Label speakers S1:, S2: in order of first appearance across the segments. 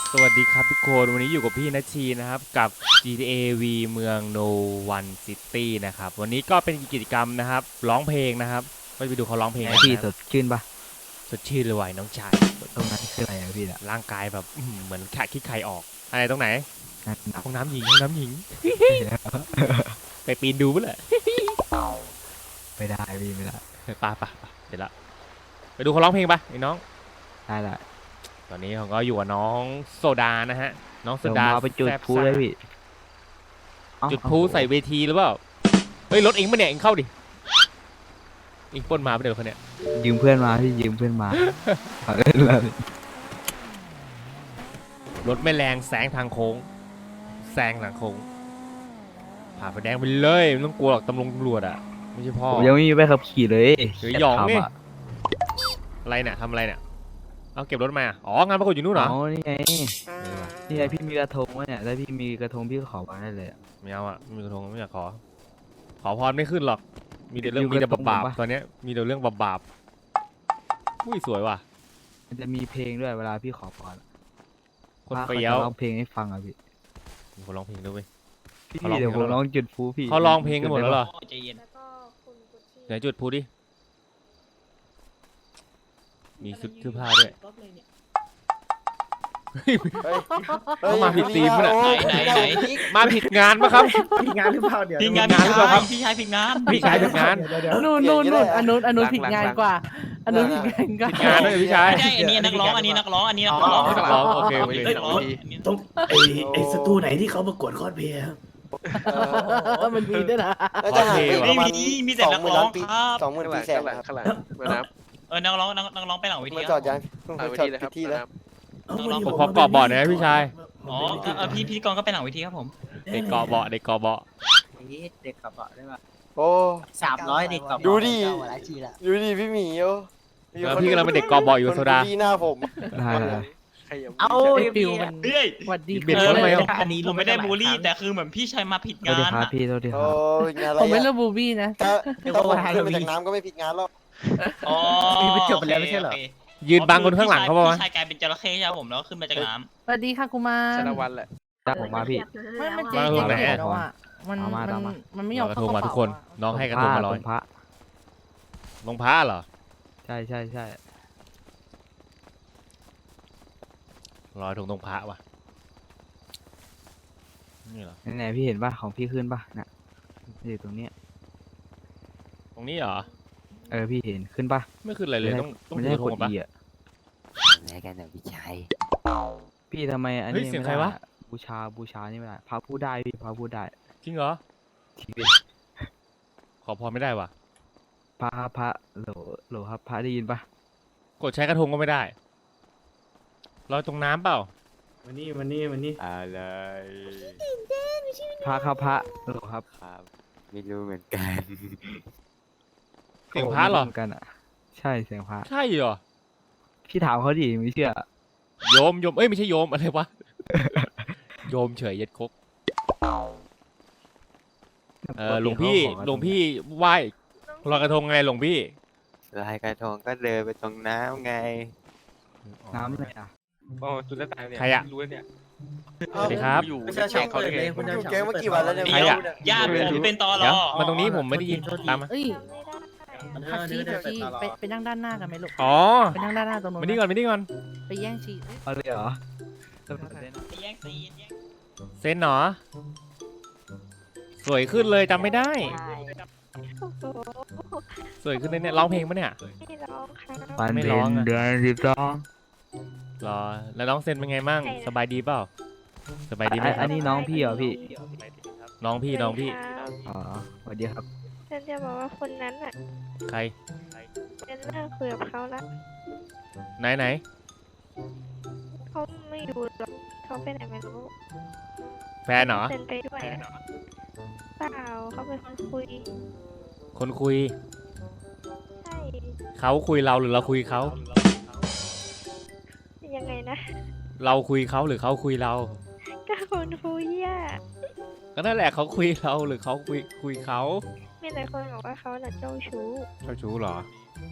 S1: สวัสดีครับทุกคนวันนี้อยู่กับพี่นัชชีนะครับกับ GTA V เมือง No One City นะครับวันนี้ก็เป็นกิจกรรมนะครับร้องเพลงนะครับไปดูเขาร้องเพลง
S2: ไง
S1: กัน
S2: พี่
S1: นะ
S2: สดชื่นปะ
S1: สดชื่นเลยว่ะน้องชาย
S2: ตรงนั้นคืออะไรอะพี่อะ
S1: ร่างกายแบบเหมือนขาดคิดใครออกอะไรตรงไหน
S2: หนัก
S1: ห้องน้ำหญิงไปปีนดูมั้ยแหละ
S2: ไม่ได้พี่ไม่ได้
S1: ไปเดี๋ยวละไปดูเขาร้องเพลงปะไอ้น้อง
S2: ได้ละ
S1: ตอนนี้เขาก็อยู่กับน้องโซดานะฮะน้องโซ
S2: เดี๋ยว
S1: ดา
S2: มาไปจุด
S1: แซ่บ
S2: พู
S1: ซ่า
S2: เลยพี่เอ้า
S1: จุดพลุใส่เวทีหรือเปล่าเฮ้ยรถเองปะเนี่ยเองเข้าดิเองปล้นมาปะเดี๋ยวคนเนี้ย
S2: ยืมเพื่อนมาพี่ยืมเพื่อนมาเอาเล่นเลย
S1: รถไม่แรงแซงทางโค้งแซงทางโค้งผ่าไฟแดงไปเลยไม่ต้องกลัวหรอกตำรวจอ่ะไม่ใช่พ่อ
S2: ผมยังไม่มีใบขับขี่เลย
S1: เฮ้ยหยองนี่
S2: ขับะ
S1: อะไรเนี่ยทำอะไรเนี่ยเอาเก็บรถมาอ๋องานประกวดอยู่นู่นเหรอ
S2: อ๋อนี่ไงนี่ไงพี่มีกระทงวะเนี่ยถ้าพี่มีกระทงพี่ก็ขอมาได้เลยอะ
S1: ไม่เอาอ่ะไม่มีกระทงไม่อยากขอพรไม่ขึ้นหรอกมีแต่เรื่อง
S2: อยู่
S1: มีแต่
S2: กระทง
S1: บาป
S2: ปะ
S1: ๆตอนเนี้ยมีแต่เรื่องบาปๆอุ้ยสวยว่ะ
S2: มันจะมีเพลงด้วยเวลาพี่ขอพร
S1: คน
S2: พระ
S1: เปรี้ยว
S2: ขาจะร้องเพลงให้ฟังอะพี่
S1: มีคนร้องเพลงด้วยเว้ย
S2: พี่
S1: เขาร้อง
S2: เดี๋ยว
S1: เพ
S2: ผ
S1: ลง
S2: ม
S1: แล้วเหรอ
S2: ร้องจุดพูพี่
S1: เขาร้องเพลงกันหมดแล้วเหรอ
S3: ใจเย็น
S4: แล้วก็คุณกุชชี่
S1: ไหนจุดพูดิมีชุดเสื้อผ้าด้วย เขามาผิดธีมปะเนี่ย
S3: ไหน
S1: มาผิดงานปะครับ
S5: ผิดงานหรือเปล่าเดี๋ยว
S3: พี่งาน
S1: งานหรือเปล่าครับ
S3: พี่ชายผิดงาน
S1: พี่ชายผิดงาน
S5: เดี๋ยว
S6: นู่นอันนู้นผิดงานกว่า อันนู้นผิดงานกว่า
S1: ผิดงานด้วยพี่ชาย
S3: ไม่ใช่อันนี้นักร้องอันนี้นักร้องอันนี้นักร้อง
S1: นักร้องโอเคโอเค
S3: นักร้อง
S5: ตรงไอ้สตูไหนที่เขาประกวดคอสเพลย์ครับ
S6: มันมีด้วยนะ
S7: น่าจะห่างไปป
S3: ไม่
S7: ระมาณ
S3: มีแต่นักร้องครับ
S7: 20,000 ปีแสนครับ
S8: ข้างหลังเหมือนน้
S3: นักร้องไปหลังเวที
S7: มา
S3: ค
S7: จ
S3: รั
S7: อบ ดยัง
S8: ำหลัง
S7: มา
S8: เว
S7: จอ
S8: ที
S7: ด
S8: เลยครับ
S7: ที่แล้ว
S1: ผมขอเกาะเบาะหน่อยนะพี่ชาย
S3: อ๋อพี่พิธีกรก็ไปหลังเวทีครับผม
S1: เด็กเกาะเบาะเด็กเกาะเบาะ
S6: เด็กกับได้ป่ะ
S7: โอ้
S6: 300 เด็กกับ
S7: ดูดิดูดิพี่หมีโอ้
S1: แล้วพี่กำลังเป็นเด็กเกาะเบาะอยู่โซดา
S7: พี่หน้าผม
S2: ได้ได้
S8: ใครยัง
S6: เอาฟิวมัน
S3: เฮ้ย
S6: สวัสดี
S1: เบียดเขาทำไมอ่ะ
S6: อันนี้
S3: ผมไม่ได้บูลลี่แต่คือเหมือนพี่ชายมาผิด
S2: โทษ
S3: งา
S2: ที
S3: น
S2: ครับพี่โทษทีค
S7: โอ้
S2: รับ
S7: ยงานอะไร
S6: ผมไม่
S7: อะ
S6: เลือกบูบี้นะ
S7: ถ้าผมขึ้นมาจากน้ำก็ไม่ผิดงานหรอก
S3: อ๋อ
S1: ยืนบังคนข้างหลังเขาปะวะ
S3: พี่ชายกลายเป็นจระเข้ใช่ผมแล้วขึ้นมาจากน้
S6: สวัสดีค่ะกุมาร
S8: ชนะวันแหละ
S2: จ้างผมมาพี่
S6: ไม่มันเจ๊
S1: มา
S6: เจ๊
S1: ไหน
S6: เจ๊
S1: อะ
S6: แล้วอ่ะมันไม่ยอม
S1: กระท
S6: เข้าง ก
S1: มา
S6: ระ
S1: ทุก
S6: เป๋า
S1: คน น้องให้กระทงมาร้อย
S2: ตรงพระ
S1: ลงพ้าเหรอ
S2: ใช่ใช่ใช่
S1: รอยถุงตรงพระว่ะนี่เหรอ
S2: ไหนๆพี่เห็นป่ะของพี่ขึ้นป่ะน่ะอยู่ตรงเนี้ย
S1: ตรงนี้เหรอ
S2: พี่เห็นขึ้นป่ะ
S1: ไม่ขึ้นอะไรเลยต้อง
S2: มัน
S1: ดู
S2: ได้
S1: กระท
S2: ก
S1: ง
S2: ด
S1: ปะ
S2: Eอ่ะ
S7: อะไรกันเนี่ยพี่ชาย
S2: พี่ทำไมอัน
S1: เฮ้ย
S2: นี้
S1: เสียง
S2: ไม่
S1: ใคร
S2: ได้
S1: วะ
S2: อะบูชานี่ไม่ได้พระพูดได้พี่พระพูดได้
S1: จริงเหรอ
S2: จริงดิ
S1: ขอพรไม่ได้ว่ะ
S2: พระโหลครับพระได้ยินป่ะ
S1: กดใช้กระทงก็ไม่ได้ลอยตรงน้ำเปล่า
S5: วันนี้
S7: อะไร
S2: พระครับพระโหลครับ
S7: ครับไม่รู้เหมือนกัน
S1: เสียงพระเหรอ
S2: มืนกันอ่ะ ใช่เสียงพระ
S1: ใช่เหรอ
S2: พี่ถามเขาดิไม่เชื่อ
S1: โยมเอ้ยไม่ใช่โยมอะไรวะ โยมเฉยเย็ดคกหลวงพี่ไหว้ลอยกระทงไงหลวงพี่
S7: ลายกระทงก็เดินไปตรงน้ำไง
S2: น้ำเลยอ่ะ
S8: โอ้จุดแล้วตายเนี่ย
S1: ใครอะ
S8: รู้แล้วเนี่ย
S1: สวัสดีครับ
S8: อยู่
S5: ไม่ใช่ช่องเขาเลย
S8: คุณ
S7: อยู่แก๊งมากี่วันแล้วเนี่ย
S1: ใครอะ
S3: ำญาติผมเป็นตอร
S1: เดี๋ยว
S3: อ
S1: มาตรงนี้ผมไม่ได้ยินตามมา
S6: เอ้ย
S4: ไม่ได้
S6: พักชี้ไปนั่งด้านหน้ากันไหมลูก
S1: อ๋อ
S6: ไปนั่งด้านหน้าตรงนู้น
S1: มานี่ก่อน
S6: ไปแย่งชี
S2: เอาเลยเหรอ
S3: แย่งซีน
S1: เซนเหรอสวยขึ้นเลยจำไม่ได้
S4: โอ้โห
S1: สวยขึ้นเลยเนี่ยร้องเพลงปะเนี่ย
S4: ไม่ร้องค่ะ
S2: ปัน
S1: ไม่
S2: เป็
S1: ร้อง
S2: น
S1: อะ
S2: เดือน12
S1: รอแล้วน้องเซนเป็นไงมั่งสบายดีเปล่าสบายดีไหมค
S2: อั
S1: รับ
S2: นนี้น้องพี่เหรอพี่
S1: น้องพี่
S4: ครับ
S2: อ๋อสวัสดีครับ
S4: ฉันจะบอกว่าคนนั้นอ่ะ
S1: ใคร
S4: ฉันเลิกคุยกับเขาละ
S1: ไหน
S4: เขาไม่อยู่หรอกเขาไปไหนไม่รู้
S1: แฟนเหรอ
S4: เซ็นไปด้วยอะเปล่าเขาเป็นคนคุย
S1: คนคุย
S4: ใช่
S1: เขาคุยเราหรือเราคุยเขา
S4: ยังไงนะ
S1: เราคุยเขาหรือเขาคุยเรา
S4: ก็คนคุยอ่ะ
S1: ก็นั่นแหละเขาคุยเราหรือเขาคุยเขา
S4: มีแต่คนบอกว่าเขาน่ะเจ้าชู้
S1: เจ้าชู้เหรอ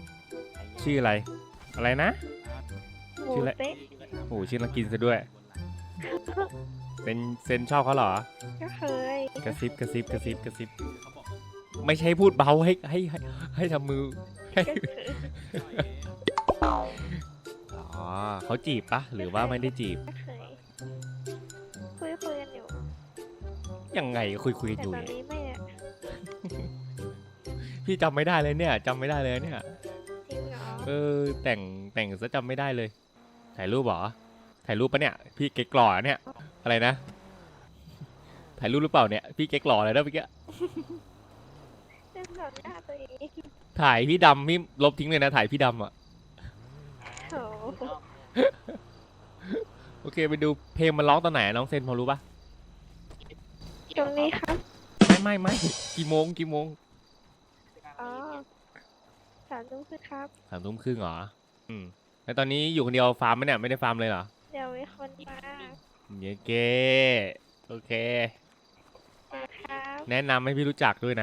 S1: ชื่ออะไร อะไรนะ
S4: โมเตะ
S1: โอ้ชื่อนักกินซะด้วยเซนชอบเขาเหรอ
S4: ก็เคย
S1: กระซิบกระซิบกระซิบกระซิบไม่ใช่พูดเบาให้ทำมือให้
S4: ก็เคย
S1: อ๋อเขาจีบปะหรือว่าไม่ได้จีบ
S4: ก็เคยคุยกันอยู่
S1: ยังไงคุยกัน
S4: แต่
S1: อยู่
S4: ตอน
S1: เนี่ย
S4: นี้ไม่อะ
S1: พี่จำไม่ได้เลยเนี่ยจำไม่ได้เลยเนี่ย
S4: จริงเหรอ
S1: แต่งซะจำไม่ได้เลย ถ่ายรูปเหรอถ่ายรูปปะเนี่ยพี่เก๊กหล่อเนี่ยอะไรนะถ่ายรูปหรือเปล่าเนี่ยพี่เก๊กหล่อเลยนะเมื่อกี้
S4: เป็นแบบหน้าตัวเอง
S1: ถ่ายพี่ดำพี่ลบทิ้งเลยนะถ่ายพี่ดำอ่ะ
S4: โอ้โห
S1: โอเคไปดูเพลงมันร้องตอนไหนน้องเซนพอรู้ปะ
S4: ตรงนี้ครับ
S1: ไม่กี่โมง
S4: อ๋อ3 ทุ่มครึ่งครับ
S1: 3 ทุ่มครึ่งเหรอแล้วตอนนี้อยู่คนเดียวฟาร์มไหมเนี่ยไม่ได้ฟาร์มเลยเหรอ
S4: เดี๋ยวมีคนมา
S1: เย้เกโอเค
S4: นะครับ
S1: แนะนำให้พี่รู้จักด้วยนะ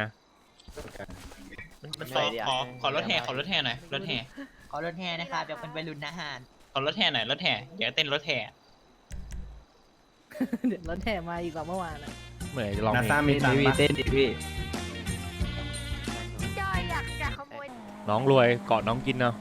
S3: ขอรถแห่หน่อยรถแห่
S9: ขอรถแห่นะครับอยากเป็นวัยรุ่นอาหาร
S3: ขอรถแห่หน่อยรถแห่อยากเต้นรถแห่
S6: เดี๋ยวรถแห่มาอีกกว่าเมื่อวานอะ
S1: เมื่อไหร่จะลอง
S5: นา
S1: เพล
S5: ซาง มีตังค์
S2: พี่
S5: ปะ
S2: เต้นดิพี่
S4: จอยอยากขโมย
S1: น้องรวยเกาะน้องกินเนาะ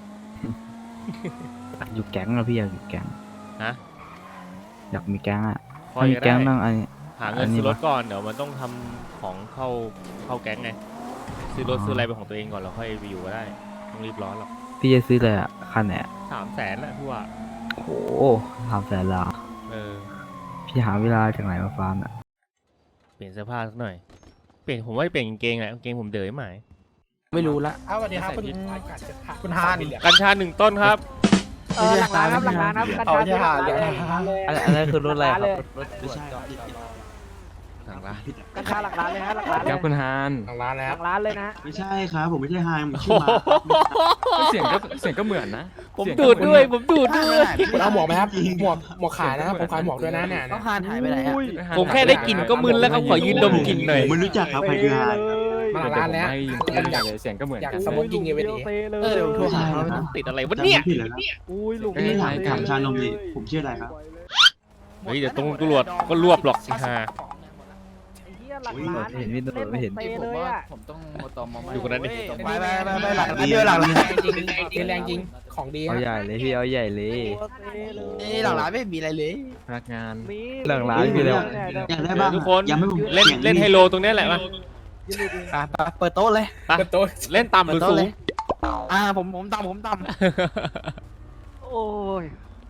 S2: อยู่แก๊งอะพี่อยากอยู่แก๊ง
S1: ฮะ
S2: อยากมีแก๊งอะ
S1: พอ
S2: ถ้ามี
S1: จะ
S2: แก๊ง
S1: ได้
S2: ต้องอันนี้
S1: หาเงินซื้อรถก่อนเดี๋ยวมันต้องทำของเข้าแก๊งไงซื้อรถซื้ออะไรเป็นของตัวเองก่อนแล้วค่อยไปอยู่ก็ได้ต้องรีบร้อนหรอก
S2: พี่จะซื้อเลยอะคันไหนอะ
S1: 300,000แหละพี่ว่า
S2: โอ้โห300,000ละ
S1: เออ
S2: พี่หาเวลาจากไหนมาฟาร์มอะ
S1: เปลี่ยนเสื้อผ้าสักหน่อยผมว่าเปลี่ยนกางเกงแหละกางเกงผมเด๋อไหม
S2: ไม่รู้ละ
S5: เอาสวัสดีครับคุณฮาน
S1: กัญชา1 ต้นครับ
S6: หลักล้านครับหลักล้านครับกัญชา
S5: เอาใช่ค่ะ
S6: หลักล้าน
S2: อะไรคือรถอะไรครับรถ
S9: ไม่ใช่
S1: หลังละ
S6: กัญชาหลักล้านเลยฮะหลักล้านเลย
S8: ครับคุณฮาน
S5: ทางร้านแล้ว
S6: หลักล้านเลยนะ
S9: ไม่ใช่ครับผมไม่ใช่ไฮผมชื่
S1: โอ้
S9: อมา
S1: โห
S8: เสียงก็เหมือนนะ
S1: ผมดูดด้วยผมดูดด้วย
S5: คุณเอาหมวกไหมครับหมวกขายนะครับผมขายหมวกด้วยนะเนี่ย
S2: ต้องหานหายไปไหนอะ
S1: ผมแค่ได้กลิ่นก็มึนแล้วครับขอยืนดมกลิ่นหน่อย
S9: ผมไม่รู้จักครับใครคือไฮ
S5: มาหลังร้านแล้ว
S8: อยากเสียงก็เหมือน
S5: อยาก
S8: กัน
S5: สโมกกิ้งเอเวอร์ดี
S2: เออเดี๋ยวผมโทรหาเขา
S1: ติดอะไรวะเนี่ย
S9: ผิดแล้วครับ
S6: อุ้ยลุง
S9: ไม่ได้ถ่ายกับชานมดิผมชื่ออะไรครับ
S1: เฮ้ยเดี๋ยวตำรวจก็รวบหรอกสิฮะ
S6: ไอ้เหี้ยหลักล้าน
S2: เห็นพี่ตำรวจไม่เห็น
S6: เล่นเลยอะ
S8: ผมต้องตอมมา
S1: ดูคนนั้นดิ
S5: ไปหลังร้านเดียวหลังร้านจริงแรงจริงของดี
S2: เอาใหญ่เลยพี่เอาใหญ่เลย
S6: หลังร้านไม่มีอะไรเลย
S8: พนักงาน
S2: หลังร้านคือแล้ว
S9: อยากได้บ้าง
S1: ทุกคน
S9: ยังไม่ผม
S1: เล่นไฮโลตรงเนี้ยแหละมา
S6: เปิดโต๊ะเลย
S1: ไปเล่นต่ำหรือสูง
S6: ผมต่ำโอ้ย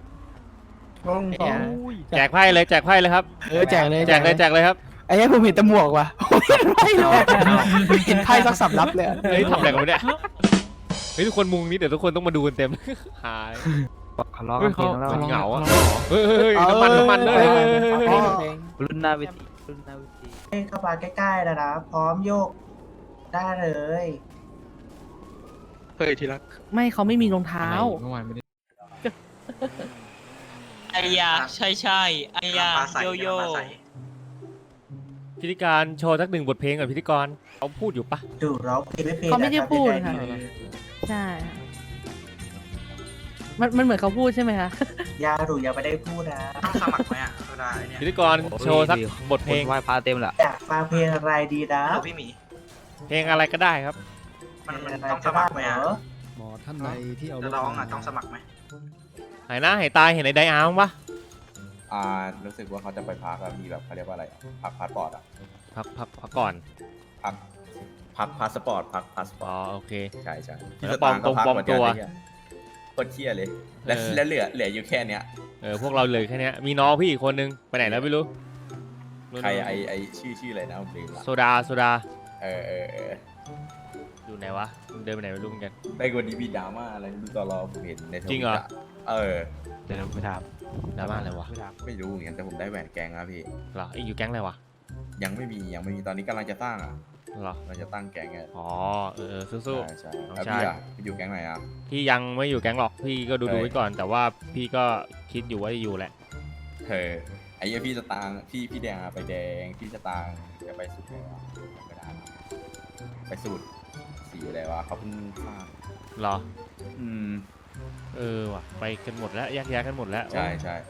S1: แจกไพ่เลยครับ
S6: แจกเลย
S1: แจกเลยครับ
S6: ไอ้เหี้ยผมเห็นแตะหมวกว่ะเห็นไพ่เลยเห็นไพ่สักสำรับเลย
S1: เฮ้ยทำอะไรกันวะเนี่ยเฮ้ยทุกคนมุงนี้เดี๋ยวทุกคนต้องมาดูกันเต็มหาย
S2: ทะเลาะกันเองแล้ว
S1: เหงาอ่ะเฮ้ยน้ำมันเลย
S2: รุ่นหน้าเวทีรุ่นหน้าเวที
S9: เข้ามาใกล้ๆนะพร้อมโยกได้เลย
S8: เฮ้ยทีละ
S6: ไม่เขาไม่มีรองเท้า
S8: เมื่อวานไม่ได้
S3: ไอยาใช่ไอยาโยโย่
S1: พิธีการโชว์สัก1 บทเพลงกับพิธีกรเขาพูดอยู่ปะ
S9: ดูร้องเพลงไม่เพลง
S6: เขาไม่ได้พูดค่ะ ใช่ค่ะมันเหมือนเขาพูดใช่ไหมคะ
S9: ยาดูยังไม่ได้พูดนะต้องสมัครไหมอ่ะได้เนี่ย
S1: พิธีกรโชว์สักบทเพลง
S2: ไหว้พระเต็มละ
S9: อยากฟังเพลงอะไรดีนะพี่หมี
S1: เพลงอะไรก็ได้ครับ
S9: มันต้องสมัครไหมอ่ะ
S10: หมอท่านใดที่เอา
S9: จะร้องอ่ะต้องสมัครไหม
S1: หายหน้าหายตาเห็นไอ้ไดอาร์มปะ
S10: รู้สึกว่าเขาจะไปพักแล้วมีแบบเขาเรียกว่าอะไรพักพาสปอร์ตอ่ะ
S1: พักก่อน
S10: พักพาสปอร์ตพักพาสปอ
S1: อ๋
S10: ร์ต
S1: อโอเค
S10: ใช่ใช่
S1: แล้วปลอมตัว
S10: โคตรเที่ยเลยแล้วเหลืออยู่แค่เนี้ย
S1: พวกเราเลยแค่เนี้ยมีน้องพี่อีกคนนึงไปไหนแล้วไม่รู้
S10: ใครไอชื่ออะไรนะผมลืมละ
S1: โซดา
S10: เออ
S1: อยู่ไหนวะเดินไปไหนไม่รู้เหมือนกัน
S10: ในวันนี้มีดราม่าอะไรดูตลอดผมเห็นในทวิต
S1: จริงเหรอ
S2: เดี๋ยวไปถาม
S1: ดราม่าอะไรวะ
S10: ไม่รู้เหมือนกันแต่ผมได้แหวนแกงครับพี่
S1: เหรออยู่แก๊งอะไรวะ
S10: ยังไม่มีตอนนี้กำลังจะสร้างอ่ะ
S1: เหรอ
S10: เราจะตั้งแกงไง
S1: อ๋อสู้
S10: ใช่
S1: น้อง
S10: แล้ว
S1: ชาย
S10: พี่อ่ะไปอยู่แกงไหนอ่ะ
S1: พี่ยังไม่อยู่แก๊งหรอกพี่ก็ดูไว้ก่อน แต่ว่าพี่ก็คิดอยู่ว่าจะอยู่แหละ
S10: ไอ้เหี้ยพี่สตางค์พี่แดงอะไปแดงพี่สตางค์จะไปสุดเลยวะไม่ได้นะไปสุดสีอะไรวะเขาเพิ่งสร้าง
S1: เหรอ
S10: อืม
S1: ว่ะไปกันหมดแล้วแยกย้ายกันหมดแล้ว
S10: ใช่ใช่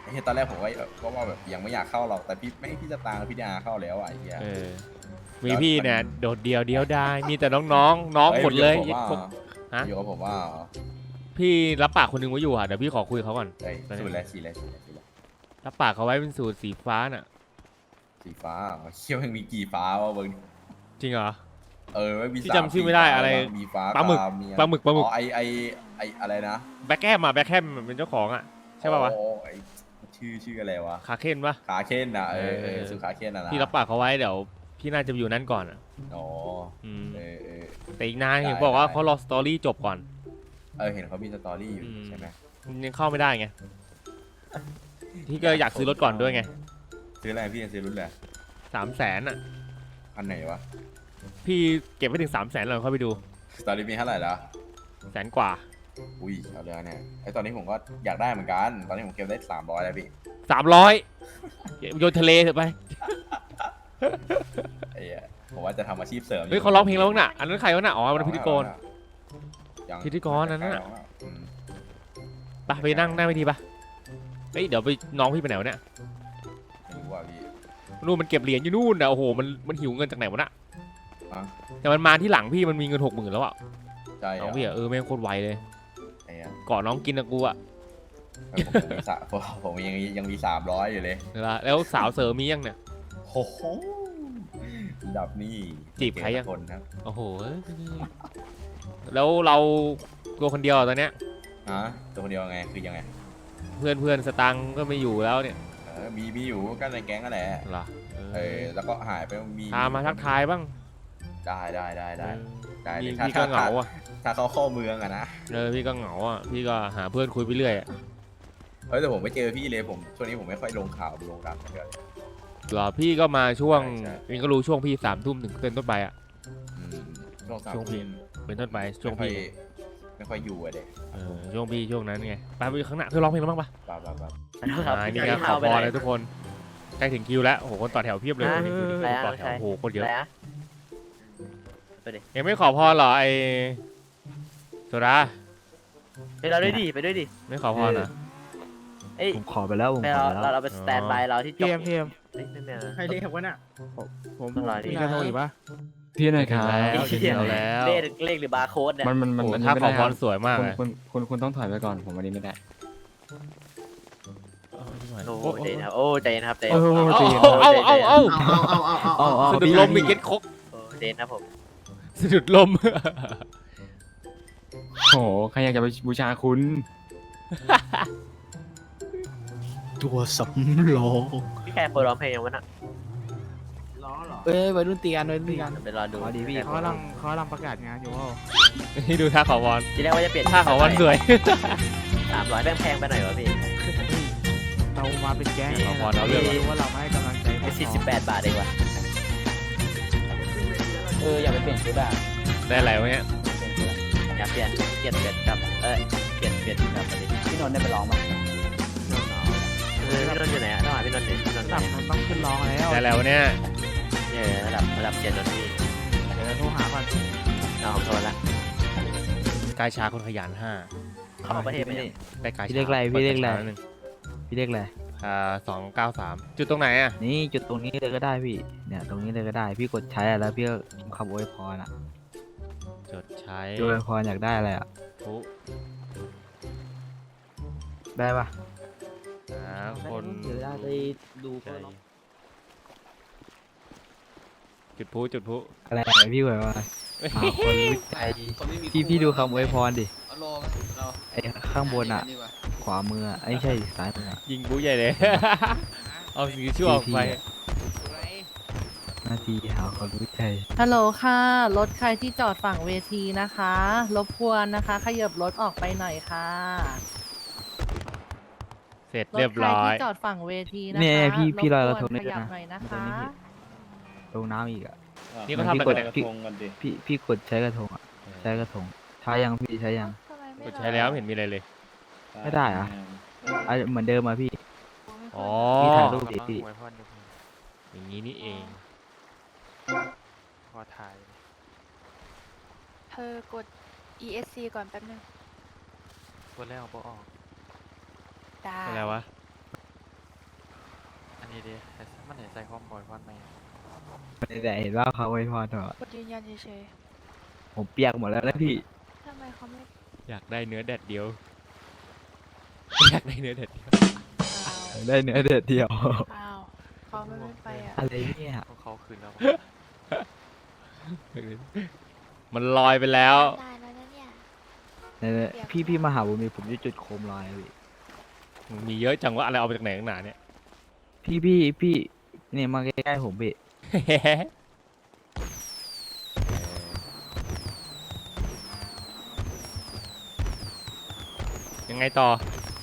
S10: เฮ้ยตอนแรกผมก็ว่าแบบยังไม่อยากเข้าหรอกแต่พี่จะตางพี่ดาเข้าแล้วอ่ะไอ้เหี้ย
S1: เออมีพี่เนี่ยโดดเดียวได้มีแต่น้องๆน้องหมดเลย ฮะ
S10: อยู่กับผมว่า
S1: พี่รับปากคนหนึงไว้อยู่อ่ะเดี๋ยวพี่ขอคุยกับเขาก่อน
S10: ไอ้ย
S1: ตอนนี้
S10: สูตรอะไรสีอะไร
S1: รับปากเขาไว้เป็นสูตรสีฟ้าน่ะ
S10: สีฟ้าเขี้ยวยังมีกี่ฟ้าวะเบิ้ง
S1: จริงเหรอ
S10: ไม่มี
S1: พี่จำชื่อไม่ได้อะไร
S10: มีฟ้า
S1: ปลาหมึก
S10: ปลาหมึก
S1: อ๋อ
S10: ไออะไรนะ
S1: แบ็คแคมเป็นเจ้าของอ่ะใช่ป่าวะ
S10: โอ้ไอชื่ออะไรวะ
S1: คาเคนปะ
S10: ขาเค้นนะ
S1: เออ
S10: สุขาเค้นนะ
S1: พี่รับปากเขาไว้เดี๋ยวพี่น่าจะไปอยู่นั่นก่อนอ่ะ
S10: อ๋อ
S1: อืม
S10: เออ
S1: แต่อีกนานเห็นบอกว่าเขารอสตอรี่จบก่อน
S10: เห็นเขามีสตอรี่อยู่
S1: อืม
S10: ใช่ไหม
S1: ยังเข้าไม่ได้ไงพี่ก็อยากซื้อรถก่อนด้วยไง
S10: ซื้ออะไรพี่จะซื้อรุ่นอะไร
S1: 300,000อ่ะ
S10: อันไหนวะ
S1: พี่เก็บไว้ถึง300,000แล้วค่อยไปดู
S10: ตอนนี้มีเท่าไหร่แล้ว
S1: 100,000 กว่า
S10: อุ้ยเอาเลยเนี่ยไอตอนนี้ผมก็อยากได้เหมือนกันตอนนี้ผมเก็บได้300แล้วพี่
S1: 300โยนทะเลเถอะไป
S10: ไอ้เหี้ยผมว่าจะทำอาชีพเสริม
S1: เฮ้ยเขาร้องเพลงแล้วน่ะอันนั้นใครวะน่ะอ๋อมันพิธีกร
S10: ยัง
S1: พิธีกรนั่นน่ะ
S10: อืม
S1: ไปนั่งหน้าไม่ดีปะเฮ้ยเดี๋ยวไปน้องพี่ไปไหนวะเนี่ย
S10: ไม่รู้ว่าพี่
S1: นู่นมันเก็บเหรียญอยู่นู่นนะโอ้โหมันหิวเงินจากไหนวะน่ะ
S10: อ่ะ
S1: แต่มันมาที่หลังพี่มันมีเงิน60,000แล้วอ่ะ
S10: ใช่เหร
S1: น้องพี่อ่ะแม่งโคตรไวเลย
S10: ไอ้เหี้ย
S1: ก่อนน้องกินนะกูอ่ะ
S10: ผมมีผมยังมี300อยู่เลย
S1: เวลาแล้วสาวเสริมมียังเนี่ย
S10: โอ้โหระดับนี้
S1: จีบใครยัง
S10: คนครับ
S1: โอ้โหแล้วเราตัวคนเดียวอะตอนเนี้ย
S10: ฮะตัวคนเดียวไงคือยังไง
S1: เพื่อนสตังค์ก็ไม่อยู่แล้วเนี่ย
S10: มีอยู่ก็ในแก๊งนั่นแหละ
S1: เหรอ
S10: แล้วก็หายไปมี
S1: พามาทักทายบ้าง
S10: ได้
S1: พี่
S10: ถ้า
S1: พี่ก็เหงาอ่ะ
S10: ถ้าเขาเข้าเมืองอะนะ
S1: พี่ก็เหงาอ่ะพี่ก็หาเพื่อนคุยไปเรื่อยอะ
S10: แต่ผมไม่เจอพี่เลยผมช่วงนี้ผมไม่ค่อยลงข่าวลงการเท่าไหร่
S1: เหรอพี่ก็มาช่วง
S10: ใช่
S1: เองก็รู้ช่วงพี่3 ทุ่มถึงเป็นต้นไปอ่ะ
S10: ช่วงสาม
S1: ช่วงพี่ เป็นต้นไปช่วงพี่
S10: ไม่ค่อยอยู่อะเด็ก
S1: ช่วงพี่ช่วงนั้นไงไปข้างหน้าเพื่อร้องเพลงแล้วบ้างปะ
S10: บ้า
S1: นี่ก็ขอพรเลยทุกคนใกล้ถึงคิวแล้วโอ้โหคนต่อแถวเพียบเลยวันนี้คือต่อแถวโอ้โหคนเยอะยังไม่ขอพรเหรอไอโซดา
S2: ไปเราด้วยดิไปด้วยดิ
S1: ไม่ขอพรเหรอ
S2: ผมขอไปแล้วผมขอไปแล้วเราไปสแตนบายเราที่จบ
S6: เพียม
S8: ใครเรียกวะน่ะ
S6: ผม
S2: ต้องรอดิ
S6: มีกระทงอีกปะ
S8: พี่หน่อยครับ
S1: แล้วถึงคิวแล้ว
S2: เลขหรือบาร์โค้ดเนี่ย
S8: มัน
S1: โอ้โห
S8: อันนี้
S1: ถ้า
S8: ไม่
S1: ขอ
S8: ได้
S1: พ
S8: ครั
S1: ร
S8: บ
S1: สวยมากเลย
S8: คุณต้องถอยไปก่อนผมวันนี้ไม่ได้
S2: โอ้ใจเย็นครับโอ้ใจเย็นครับใจเย็
S6: โอ้
S2: น
S6: โห
S1: เอา
S6: ตีน
S1: เอาเอา
S2: เอา
S1: สะดุดลมมีเก็ตคก
S2: ใจเย็นครับผม
S1: สะดุดลม
S8: โอ้โหใครอยากจะไปบูชาคุณ
S6: ตัวสำรอง
S2: พี่แค่เปิดร้องเพลงยังวะน่ะ
S6: เอ้ยวัยรุ่นตีกันวัยรุ่นตีกัน
S2: ไปรอดู
S6: อ๋อดีพี่เขากำลังประกาศงานอยู่ว่า
S1: นี่ดูท่าขอพร
S2: ทีแรกว่าจะเปลี่ยน
S1: ท่าขอพรสวย
S2: 300แพงไปหน่อยวะพี่
S6: เรามาเป็นแก๊ง
S1: ขอพรเอาเรื่อง
S6: รู้ว่าเราไม่ให้กำลังใจ
S2: ไป48 บาทเองวะ
S8: อย่าไปเปลี่ยนชุดอ่ะ
S1: ได้อะไรวะเนี่ย
S2: อยากเปลี่ยนกับเปลี่ยนกับประเด็น
S8: พี่นนท์ได้ไปร้องมั้ย
S2: พี่นนท์อยู่ไหนอะต้องหาพี่นนท์ดิพี่นนท์
S6: ตับมันต้องขึ้นร้องแล้ว
S1: ได้แล้ววะเนี่ย
S2: ระดับเปลี่ยนนนท์พี่
S6: เดี๋ยวโทรหาก่อน
S2: เอาของโทรละ
S1: กายชาคนขยัน5
S2: เข้าประเทศไปนี่
S1: ได้กายชา
S2: พี่เรียกอะไรพี่เรียกอะไร
S1: ปิดกาชาหนึ่ง
S2: พี่เรียกอะไร
S1: 293จุดตรงไหนอ่ะ
S2: นี่จุดตรงนี้เลยก็ได้พี่เนี่ยตรงนี้เลยก็ได้พี่กดใช้อะแล้วพี่ก็คำอวยพรอ่ะ
S1: จดใช้
S2: อวยพรอยากได้อะไรอ่ะ
S1: ผู้
S2: ได้ปะ
S1: หาคน
S2: เดี๋ยวได้ไปดู
S1: ใจจุดผู้
S2: อะไรพี่อวยพรหาคนรู้ใจพี่ดูคำอวยพรดิไอ้ข้างบนอ่ะ ขวามืออ่ะไอ้ใช่ซ้ายมืออะ
S1: ยิงบู๊ใหญ่เลย เอาสีชั่วออกไป
S2: หน้าที่หาคนรู้ใจ
S4: ฮัลโหลค่ะ รถใครที่จอดฝั่งเวทีนะคะ รบกวนนะคะ ขยับรถออกไปหน่อยค่ะ
S1: เสร็จ
S4: ร
S1: เรีย
S4: ถ
S1: บ
S4: ใคร
S1: ร้อย
S4: ที่จอดฝั่งเวทีนะคะ
S2: เนี่ยพี่ลอยกระทง
S4: บ
S2: ได้
S4: กวน
S2: ด้วย
S4: ขยับ
S2: นะ
S4: หน่อยนะ
S2: ตรง
S4: คะ
S2: นี้ลงน้ำอีกอ่ะ
S1: นี่เขาทำอะไรกันเนี่ย
S2: พี่กดใช้กระทงอ่ะใช้กระทงใช้ยังพี่ใช้ยัง
S4: ทำไมไม่
S1: กดใช้แล้วไม่เห็นมีอะไรเลย
S2: ไม่ได้เหรอะเหมือนเดิมอ่ะพี่
S1: อ๋อ
S2: พี่ถ่ายรูปดิพี่
S1: อย่างนี้นี่เอง
S6: พอถ่าย
S4: เธอกด ESC ก่อนแป๊บนึง
S6: ตัวแรกเอาออก
S4: ได้
S1: อะไรวะ
S2: นี่ดิมันเห็นใจความบ่อยวันไหมแต่เห็นว่าเขาอวยพรเถอะ
S11: ยืนยันเฉย
S2: ผมเปียกหมดแล้วนะพี่
S11: ๆทำไมเขาไม่
S1: อยากได้เนื้อแดดเดียว อยากได้เนื้อแดดเดียว
S2: ได้เนื้อเด็ดเดียว
S11: อ้าวเขาไม่ไปอ่ะ
S2: อะไรเนี่ย
S6: เขาคืนแล้ว
S1: มันลอยไปแล้ว
S11: ได้แล้วนะเนี่ย
S2: เนี่ยพี่มาหาผมมีผมจะจุดโคมลอยอะพี่
S1: มึงมีเยอะจังว่าอะไรเอามาจากไหนข้างหนาเนี่ย
S2: พี่เนี่ยมาใกล้ๆผมพี่
S1: ยังไงต่อ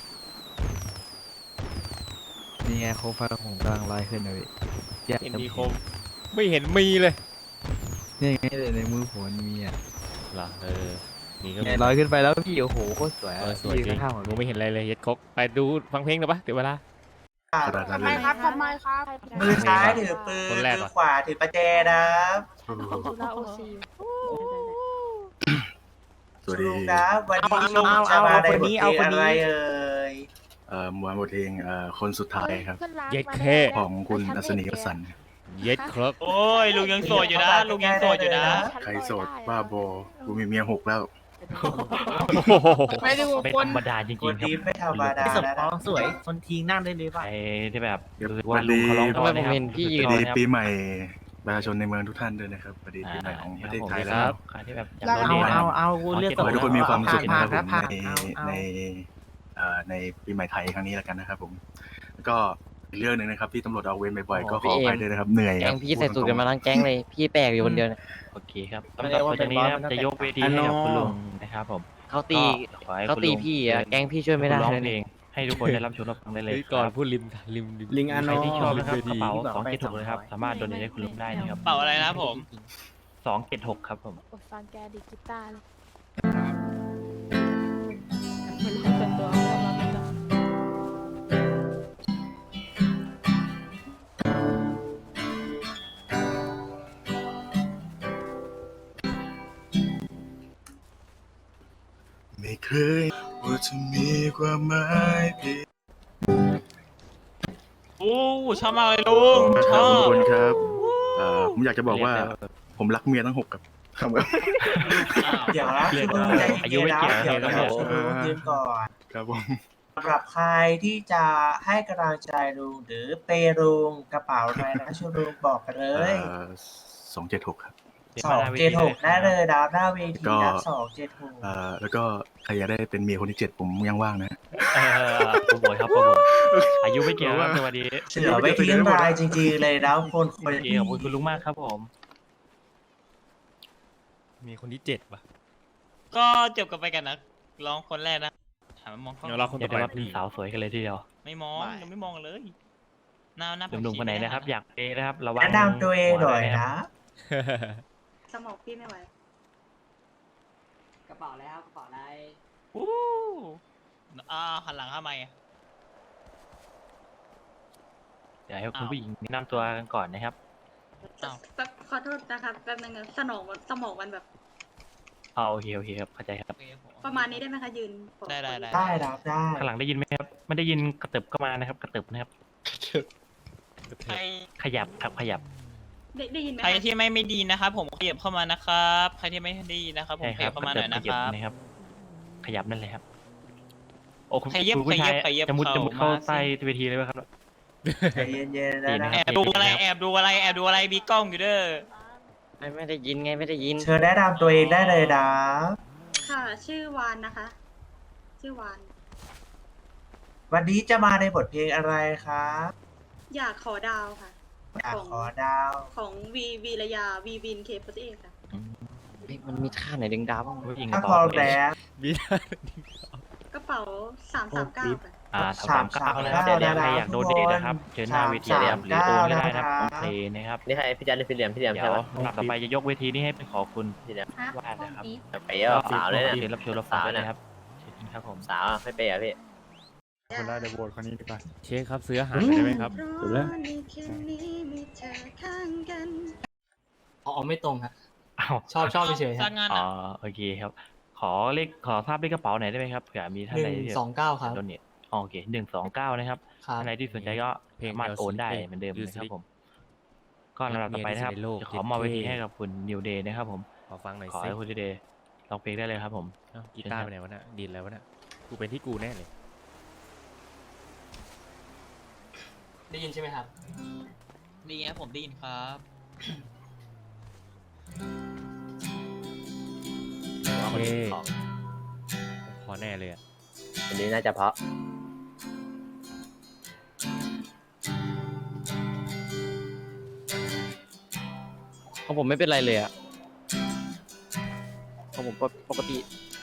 S2: นี่ไงโคมไฟผมกำลังลอยขึ้นเลยพี่อยาก
S1: เห็น
S2: จะ
S1: มีคม ไม่เห็นมีเลย
S2: นี่ไงในมือผมมีอ่ะ
S1: เหรอมีก็
S2: เนี่ยลอยขึ้นไปแล้วพี่โอ้โหโคตรสวยอะ
S1: สวยจริ
S2: พี่
S1: ง
S2: ข้างๆผม
S1: มึงไม่เห็นอะไรเลยเย็ดคกไปดูฟังเพลงหน่อยปะเดี๋ยวเวลา
S11: ทำไมครับทำไมครับ
S9: มือซ้ายถือปืน
S1: คนแรก
S9: มื
S1: ว่ะ
S9: อขวาถือประแจนะครับ
S11: จุฬาโอซี
S5: สวัสดี
S9: ลุงครับวันนี้ลุงจะมาในบทเพลงอะไรเอ่ย
S5: มวยบทเพลงคนสุดท้ายครับ
S1: เย็ดแค่
S5: ของคุณอัศนีวสันต์
S1: เย็ดครก
S3: โอ้ยลุงยังโสดอยู่นะ ลุงยังโสดอยู่นะ
S5: ใครโสดบ้าบอกูมีเมีย6แล้ว
S11: ไม่ได้ว่าคน
S6: ธรรมดาจริ
S9: คน
S6: งๆครับ
S9: นี้ไม่ธรรมดาแล้วนะ
S6: สวยคนทิ้งนั่งได้เลยป่ะไอ้ที่แบบ
S5: สวัสดี
S6: ทำไมผมเห็นพี่ยื
S5: ส
S6: น
S5: วัสดีปีใหม่ประชาชนในเมืองทุกท่านด้วยนะครับสวัสดีปีใหม่ของประเทศไทยแล้วครับ
S6: ใครที่แบบ
S5: เอา
S6: เลือก
S5: ขอให้ทุกคนมีความสุขนะครับผม
S6: ใน
S5: ในปีใหม่ไทยครั้งนี้แล้วกันนะครับผมแล้วก็อีกเรื่องหนึ่งนะครับที่ตำรวจเอาเวรบ่อยๆก็ขออภัยด้วยนะครับเหนื่อยครับ
S8: พี่ใส่สูตรกันมาทั้งแก๊งเลย พี่แปลกอยู่คนเดียว
S6: โอเคครับสำหรับวันนี้นะครับจะยกเวทีให้กับคุณลุงนะครับผม
S8: เขาตี
S6: ขอให้
S8: เขา
S6: คุณ
S8: ตี
S6: ลุง
S8: พี่อ่ะแก๊งพี่ช่วยไม่ได้
S6: ร้อง
S8: เลย
S6: เพล
S8: นี่
S6: งให้ทุกคนได้รับชมรับฟังได้เลย
S1: เฮ้ยก่อนพูดริม
S6: ใครที่ชอบนะครับกระเป๋า276เลยครับสามารถโดเนทให้คุณลุงได้นะครับ
S3: เป่าอะไรนะผม
S6: 276ครับผม
S11: อดฟังแกดีกีตาร์เลยเป็นเรื่องส่วนตัวของเราไม่ต้อง
S5: ไม่เคยว่าจะมีความหมายเพียง
S3: โอ้ชอบมากเลยลุง ช
S5: ข
S3: อ
S5: อบคุณ
S3: บ
S5: ครับผมอยากจะบอกว่าผมรักเมียทั้ง6ครับครับ
S9: เดี๋ยวนะคือลุงใจ
S6: อายุ
S9: เย็น
S6: ไม่
S9: ๆนะ
S6: เกี่ยว
S9: เดี๋ยว
S6: ครับ
S9: ลุงยืนก่อน
S5: ครับผม
S9: สำหรับใครที่จะให้กำลังใจลุงหรือเปย์ลุงกระเป๋าอะไรนะช่วยลุงบอกกันเลย
S5: 276ครับ
S9: 276ได้เลยดาวหน้าเวทีนะ276
S5: แล้วก็ใครอยากได้เป็นเมียคนที่7ผมยังว่างนะ
S6: โปรโมทครับโปรโมทอายุไม่เกี่ยวครับสวัสดี
S9: เสือไม่ทิ้งรายจริงๆเลยแล้วคนคน
S6: โอเคขอบคุณคุณลุงมากครับผม
S1: มีคนที่7ป่ะ
S3: ก็จบกันไปกันนะร้องคนแรกนะถามมองกล้อง
S1: เดี๋ยวเราคน
S6: เดี๋
S1: ต่
S6: ย
S1: อ
S6: ว
S1: ไป
S6: ได้ว่าเป็นสาวสวยกันเลยทีเดียว
S3: ไม่มองยังไม่มองเลยหน้าผัก
S6: หนุ่มๆ
S3: ชี
S6: คนไหนนะครับอยากเปย์นะครับระวัง
S9: แนะนำตัวเองหน่อยนะ
S11: สมองพี่ไม่ไหว
S8: กระเป๋าแล้วกระเป๋าอะไร
S3: อู้หันหลังทำไมอะ
S6: เดี๋ยวให้คุณผู้หญิงแนะนำตัวกันก่อนนะครับ
S11: ขอโทษนะครับแป๊บนึงนะสมองมันแบบ
S6: โอเคครับเข้าใจครับ
S11: ประมาณนี้ได้ไหมคะยืน
S3: ได้
S9: ได้รับได้
S6: ข้างหลังได้ยินไหมครับไม่ได้ยินกระเติบก็มานะครับ กระเติบนะครับ
S3: ใคร
S6: ขยับครับขยับ
S11: ได้ยินไหม
S3: ใครที่ไม่ดีนะครับ ผมขยับเข้ามานะครับใครที่ไม่ดีนะครับผม
S6: ใช่
S3: ข
S6: ครั
S3: ยั
S6: บบ
S3: เข้ามาหน่อยนะ
S6: ข
S3: ค
S6: ยั
S3: รับ
S6: นะครับ ขยับนั่นเลยครับโอ้คุณ
S3: ขยับ
S6: คุณผู้ชาย
S3: ขยับ
S6: จะมุด
S3: เข้า
S6: เข้า
S3: มาสิ
S6: ใต้เวทีเลยไหมครับ
S9: ใจเย็นๆนะ
S6: ค
S3: แอบดูอะไรแอบดูอะไรมีกล้องอยู่เด้อ
S8: ไม่ได้ยินไงไม่ได้ยิน
S9: เชิญแนะนำตัวเองได้เลยนะ
S11: ค่ะ ชื่อวานนะคะ ชื่อวาน
S9: วันนี้จะมาในบทเพลงอะไรครับ
S11: อยากขอดาวค่ะ
S9: อยากขอดาว
S11: ของวีระยาวีวินเคปเอค่ะ
S8: มันมีท่าไหนดึงดาวบ้าง
S6: ผู้หญิง
S9: ถ้า
S6: ต่
S9: พร้อม
S6: ไป
S9: แล้ว
S1: มี
S11: กระเป๋า339ค่ะ
S6: 339นะครับเดี๋ยวใครอยากโดเนทนะครับเชิญหน้าเวทีเลยครับหรือโอนก็ได้นะครับโอเคนะครับ
S8: นี่ใครพี่จันเป็นพี่เหลี่ยม
S6: เดี๋ยวลำดับต่อไปจะยกเวทีนี้ให้เป็นขอคุณ
S8: พี่เหลี่ยม
S6: วาดนะครับ
S8: ไปเยอะสาวเลย
S6: เชิญ
S8: เนี่ย
S6: รับชมรับฟังได้เลยครับเชิญครับผม
S8: สาวไม่ไปอ่ะพี่
S11: คนได้เดี๋ยวโหวต
S1: เช็คครับซื้ออาหารได้ไหมครับ
S8: ไม่ตรงครับ
S6: อ้าว
S8: ชอบเฉยๆค
S3: ส
S8: รั
S3: ร้า
S8: บ
S3: งงาน
S6: อ๋อ
S3: อะ
S6: โอเคครับขอทราบเลขกระเป๋าหน่อยได้ไหมครับเผื่อมีท่านใดที่
S8: 129ครับ
S6: โดเนทโอเค129นะครับ
S8: ครับ
S6: ท่านใดที่สนใจก็
S1: เพลง
S6: สามารถโอนได้
S1: เพลง
S6: เหมือนเดิม
S1: ยู
S6: นะ
S1: ส
S6: ครั
S1: ลิ
S6: บ
S1: ก
S6: ผม ก็ลำดับต่อไปนะครับ
S1: เมียที่สุดในโลก
S6: จะขอมอบเวที
S1: เท่
S6: ให้กับคุณนิวเดย์นะครับผม
S1: ขอฟังหน่อย
S6: ขอ
S1: สิ
S6: ให้คุณนิวเดย์ร้องเพลงได้เลยครับผม
S1: เอ้ากีตาร์ไปไหนวะน่ะดีดแล้ววะน่ะกูเป็นที่กูแน่เลย
S8: ได้ยินใช่ไหมครับ
S3: ดีนะผมได้ยินครับ
S1: โอเค
S8: ของ
S1: พอแน่เลยอ่ะ
S8: อันนี้น่าจะเพราะ
S2: ของผมไม่เป็นไรเลยอ่ะของผมปกติ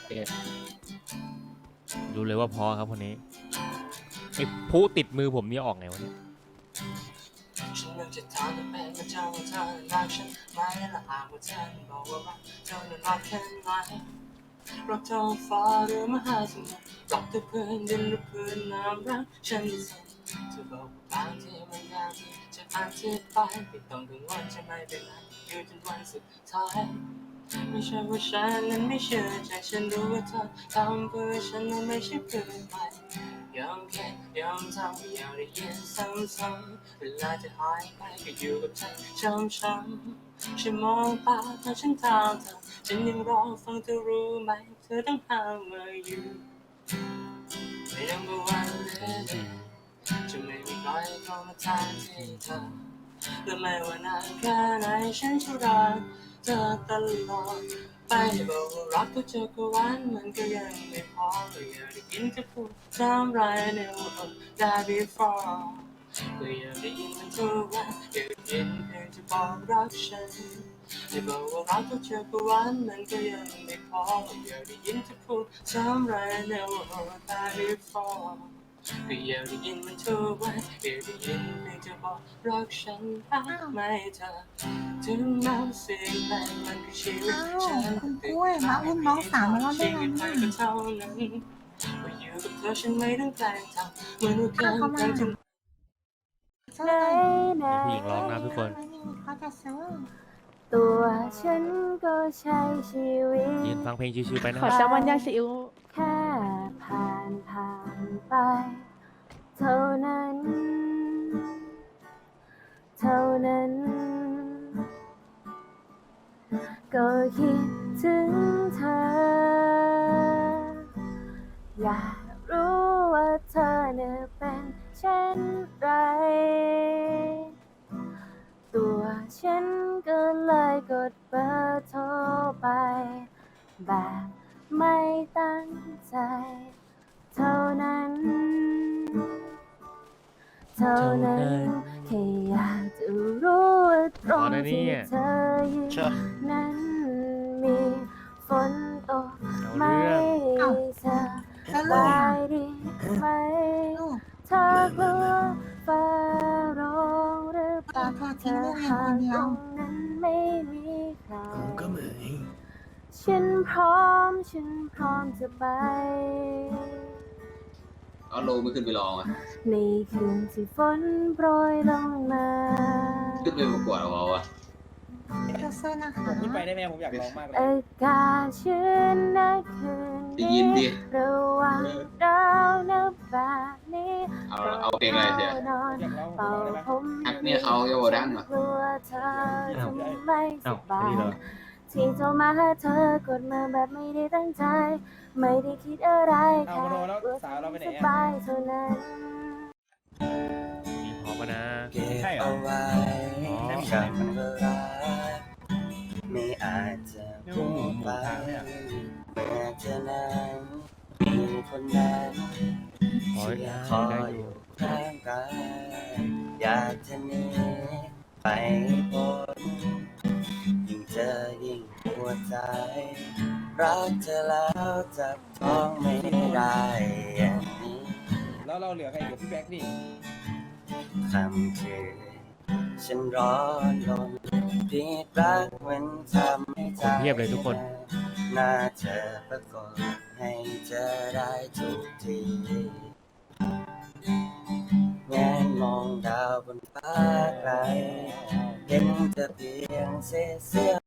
S1: รู้เลยว่าพอครับคนนี้ไอ้ผู้ติดมือผมนี่ออกไงวะเนี่ย
S9: ฉันมันจะถามเป็นมาเจ้าว่าเธอรักฉันไหมและหากว่าเธอบอกว่ารักเธอนั้นรักแค่ไหนรักเธอฟ้าหรือมหาสมุทรรักเธอเพื่อนดินหรือเพื่อนน้ำรักฉันที่สุดเธอบอกว่าบางทีมันยากที่จะอธิบายไม่ต้องกังวลจะไม่เป็นไรอยู่จนวันสุดท้ายไม่ใช่ว่าฉันนั้นไม่เชื่อใจฉันรู้ว่าเธอทำเพื่อฉันนั้นไม่ใช่เพื่อใครยอมแค่ยอมทำอยากได้ยินซ้ำๆเวลาจะหายไปก็อยู่กับเธอช้ำๆฉันมองตาเธอฉันถามเธอฉันยังรอฟังเธอรู้ไหมเธอต้องหามาอยู่ไม่ยังบ่วันเลยจะไม่มีใครเข้ามาแทนที่เธอและไม่ว่านานแค่ไหนฉันจะรักเธอตลอดไปบอกว่ารักก็เจอก็หวานมันก็ยังไม่พอก็อยากได้ยินเธอพูดซ้ำไรในวันได้ before ก็อยากได้ยินมันทุกวันอยากได้ยินเพลงจะบอกรักฉันจะบอกว่ารักก็เจอก็หวานมันก็ยังไม่พออยากได้ยินเธอพูดซ้ำไรในวันได้ before ก็อยากได้ยินมันทุกวันอยากได้ยินเพลงจะบอกรักฉันรักไหมเธอถึงแม้เสียงเพลงมันคือชีวิตฉัน
S11: คุณกล้วยมาอุ้มน้องสาวมาแล้วได้
S9: ชี
S11: ไง
S9: วิต
S11: เนี่
S9: มันก็
S11: ย
S9: เท่านั้นก็อยู่กับเธอฉันไม่ต้องแกล้งทำเหมือนว่าแกล้งกันจน
S11: ไหนไหน
S1: ผู้หญิงร้องนะทุกคน
S11: เขาจะซื้อ
S12: ตัวฉันก็ใช้ชีวิต
S1: ยืนฟังเพลงชิวๆไปนะ
S4: ขอ
S1: ค
S4: แซ
S1: รับ
S4: ลมอนย่างซีอิ๊ว
S12: แค่ผ่านไป เท่านั้น เท่านั้น ก็คิดถึงเธอ อยากรู้ว่าเธอเนี่ยเป็นเช่นไร ตัวฉันก็เลยกดเบอร์โทรไป แบบไม่ตั้งใจ เท่านั้น เท่านั้นแค่อยากจะรู้ว่าตรงที่เธอยืนนั้นมีฝนตกไหมเธอสบายดีไหมเธอกลัวฟ้าร้องหรือเปล่าเธอหากตรงนั้นไม่มีใครฉันพร้อมจะไป
S10: เอาโลไม่ขึ้นไปลองอ่ะ
S12: ในคืนที่ฝนโปรยลงมา
S10: ขึ้นไปประกวดเอาอ่ะ
S11: สู้ๆนะคะ
S6: ขึ้นไปได้ไหมผมอยากร้องมากเลย
S12: อากาศชื้นนะคืน
S10: ได้ยินดิ
S12: ระหว่างดาวนับแบบนี้
S10: เอาเพลงอะไรเสีย
S12: นอนเป่าผม
S10: ฮักเนี่ยเขาโยดังเหรอ
S12: กลัวเธอจะไม่สบายที่โทรมาหาเธอกดมาแบบไม่ได้ตั้งใจ ไม่ได้คิดอะไรแค่รู้สึกสบายเท่านั้น
S1: มีพร้อมปะนะ
S6: ใช่เหรอ
S1: อ๋อ
S7: ไม่อาจจะพูดไปเมื่อเธอนั้นมีคนนั้น
S1: ขอ
S7: ที่
S1: ได้
S7: คอ
S1: ได้
S7: ย
S1: อ
S7: อยู่ ยู่ข้างกายอยากจะหนีไปพ้นยิ่งเจอยิ่งปวดใจ รักเธอแล้วจับต้องไม่ได้อย่างนี้
S6: แล้วเราเหลือใครเหลือพี่แบ็กนี่
S7: คำคืนฉันร้อนรนผิดรักมันทำให้ใจ
S1: คนเพียบเลยทุกคน
S7: น่าเธอประกอบให้เธอได้ทุกทีแงนมองดาวบนฟ้าไกลเห็นเธอเพียงเสี้ยว